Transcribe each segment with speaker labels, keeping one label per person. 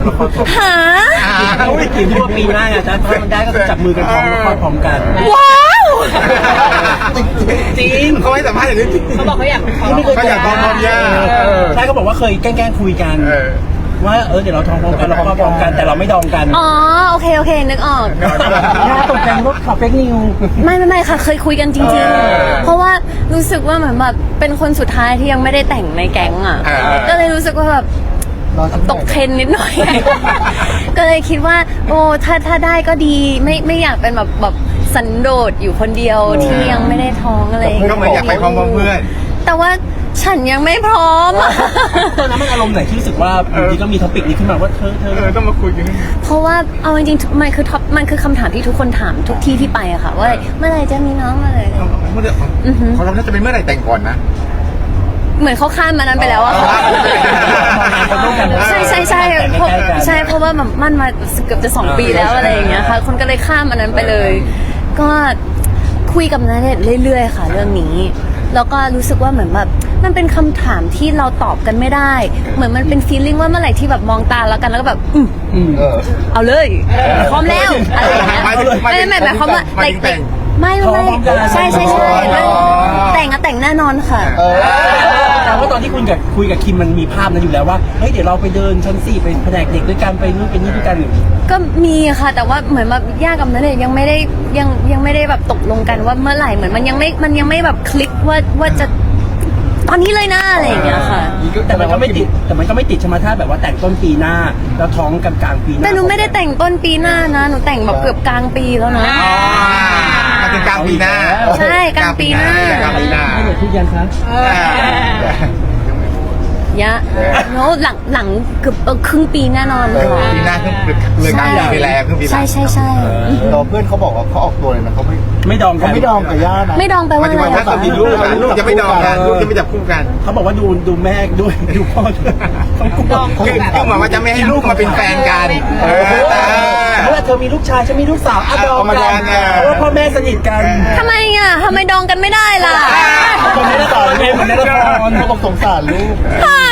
Speaker 1: หา
Speaker 2: เขาไปคิดว่าปีหน้าไงถ้ามันได้ก็จะจับมือกันพร้อมแล้วคลอดพร้อมกัน
Speaker 1: ว้าว
Speaker 2: จริง
Speaker 3: เขาให้สัมภาษณ์อย่างนี้จริง
Speaker 4: เขาบอกเขาอยาก
Speaker 3: เขาอยากท้องพร้อมย่า
Speaker 2: ใช่เขาบอกว่าเคยแกล้งคุยกันว่าเดี๋ยวเราท้องพร้อมกันเราคลอดพร้อมกันแต่เราไม่ดองกัน
Speaker 1: อ๋อโอเคนึกออก
Speaker 2: น่าตกใจว่าขับเฟกนิว
Speaker 1: ไม่ค่ะเคยคุยกันจริงๆ เพราะว่ารู้สึกว่าเหมือนแบบเป็นคนสุดท้ายที่ยังไม่ได้แต่งในแก๊งอ่ะก็เลยรู้สึกว่าแบบตกเทรนนิดหน่อย ก็เลยคิดว่าโอ้ถ้าได้ก็ดีไม่อยากเป็นแบบสันโดษอยู่คนเดียวที่ยังไม่ได้ท้องอะไรอย่าง
Speaker 3: ก็
Speaker 1: เงี้ย
Speaker 3: เหมือนอยากไปพร้อมเพื่อน
Speaker 1: แต่ว่าฉันยังไม่พร้อม
Speaker 2: ตอนนั้นมันอารมณ์ไหนที่รู้สึกว่าอยู่ดีก็มีท็อปิกนี้ขึ้นมาว่าเธอ
Speaker 3: ต้องมาคุยกัน
Speaker 1: เพราะว่าเอาจริงๆมันคือคำถามที่ทุกคนถามทุกที่ที่ไปอะค่ะว่าเมื่อไหร่จะมีน้องเมื่อไหร่
Speaker 3: เขาเราจะเป็นเมื่อไหร่แต่งก่อนนะ
Speaker 1: เหมือนเขาข้ามมานั้นไปแล้วอะค่ะใช่เพราะว่าแบบมั่นมาเกือบจะ2 ปีแล้วอะไรอย่างเงี้ยค่ะคนก็เลยข้ามอันนั้นไปเลย ก็คุยกับนันเรื่อยๆค่ะเรื่องนี้แล้วก็รู้สึกว่าเหมือนแบบมันเป็นคำถามที่เราตอบกันไม่ได้ เหมือนมันเป็นฟีลลิ่งว่าเมื่อไหร่ที่แบบมองตาแล้วกันแล้วก็แบบเอาเลยพร้อมแล้วอะไรอย่างเงี้ยไม่หมายความว่าไม่ใช่แต่งแน่นอนค่ะ
Speaker 2: แต่ว่าตอนที่คุยกับคิมมันมีภาพนั้นอยู่แล้วว่าเฮ้ยเดี๋ยวเราไปเดินชั้น 4ไปแผนกเด็กด้วยกันไปนู่นไปนี่ด้วยกัน
Speaker 1: ก็มีค่ะแต่ว่าเหมือนแบบย่ากับนันเนี่ยยังไม่ได้แบบตกลงกันว่าเมื่อไหร่เหมือนมันยังไม่แบบคลิกว่าจะตอนนี้เลยนะอะไรอย่างเงี้ยค่ะ
Speaker 2: แต่มันก็ไม่ติดใช่ไหมถ้าแบบว่าแต่งต้นปีหน้าแล้วท้องกันกลางปีหน้า
Speaker 1: แต่หนูไม่ได้แต่งต้นปีหน้านะหนูแต่งแบบเกือบกลางปีแล้วนะ
Speaker 3: มาถึงกลางปีหน้า
Speaker 1: ใช่กลางปีหน้า
Speaker 3: กลางปีหน้า
Speaker 2: ให้หนูพูดยันคะ
Speaker 1: ยะแล้วหลังเกือบครึ่งปีแน่นอนค่ะ
Speaker 3: ปีหน้าเลยกลางปีไปแล้วครึ่งปี
Speaker 1: ใช่
Speaker 5: เราเพื่อนเขาบอกว่าเขาออกตัวเลยนะเขา
Speaker 2: ไม่ดองกัน
Speaker 5: ไม่ดองกับย่านะ
Speaker 1: ไม่ดองไป
Speaker 3: หมา
Speaker 1: ว่าย
Speaker 3: ถึง
Speaker 1: อะไร
Speaker 3: ว่าถ้า
Speaker 1: คะ
Speaker 3: มีลูกจะไม่ดองกันลูกจะไม่จับคู่กัน
Speaker 2: เขาบอกว่าดูแม่ด้วยดูพ่อด้วยเขากลัว
Speaker 3: คือหมายว่าจะไม่ให้ลูกมาเป็นแฟนกันแต่
Speaker 2: เพราะว่าเธอมีลูกชายฉันมีลูกสาวดองกันเพราะว่าพ่อแม่สนิทกัน
Speaker 1: ทำไมอ่ะทำไมดองกันไม่ได้ล่ะ
Speaker 2: คนนี้ละครไงเหมือนในละคร
Speaker 5: เขาบอกสงสารลูก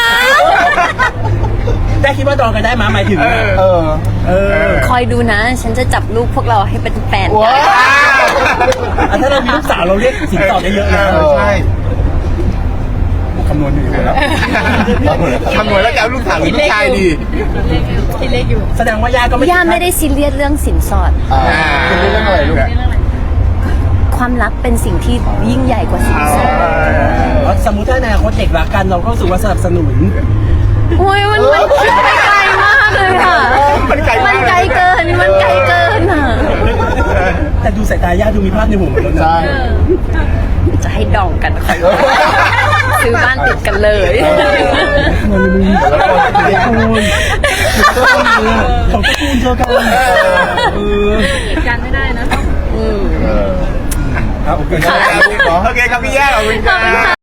Speaker 2: ได้คิดว่าดองกันได้ไหมหมายถึง
Speaker 1: คอยดูนะ ฉันจะจับลูกพวกเราให้เป็นแฟนกัน
Speaker 2: ถ้าเรามีลูกสาวเราเรียกสินสอดได้เยอะนะ
Speaker 3: ใช่
Speaker 2: คำนวณอยู่แล้ว
Speaker 3: คำนวณแล้วจะเอาลูกสาวหรือลูกชายดี
Speaker 4: คิดเล็กอยู่
Speaker 2: แสดงว่าย่าก็ไม่
Speaker 1: ย่าไม่ได้ซีเรียสเรื่องสินสอด
Speaker 5: เป็นเรื่องอะไรลูก
Speaker 1: ความรักเป็นสิ่งที่ยิ่งใหญ่กว่าสินสอด
Speaker 2: สมมุติถ้าในอนาคตเด็กรักกันเราก็รู้สึกว่าสนับสนุน
Speaker 1: โอ้ยมันคิดไปไกลมากเลยค่ะ
Speaker 3: มันไกล
Speaker 1: มันไกลเกินอ่ะ
Speaker 2: แต่ดูสายตาย่าดูมีภาพในหัวหมดแล้วนะ
Speaker 5: ใช่
Speaker 1: จะให้ดองกันค่ะซื้อบ้านติดกันเลย
Speaker 2: ของตระกูลเธอกัน
Speaker 4: การไม่ได้นะ
Speaker 2: โอเค
Speaker 3: โอเคครับพี่แย่ขอบคุณครับ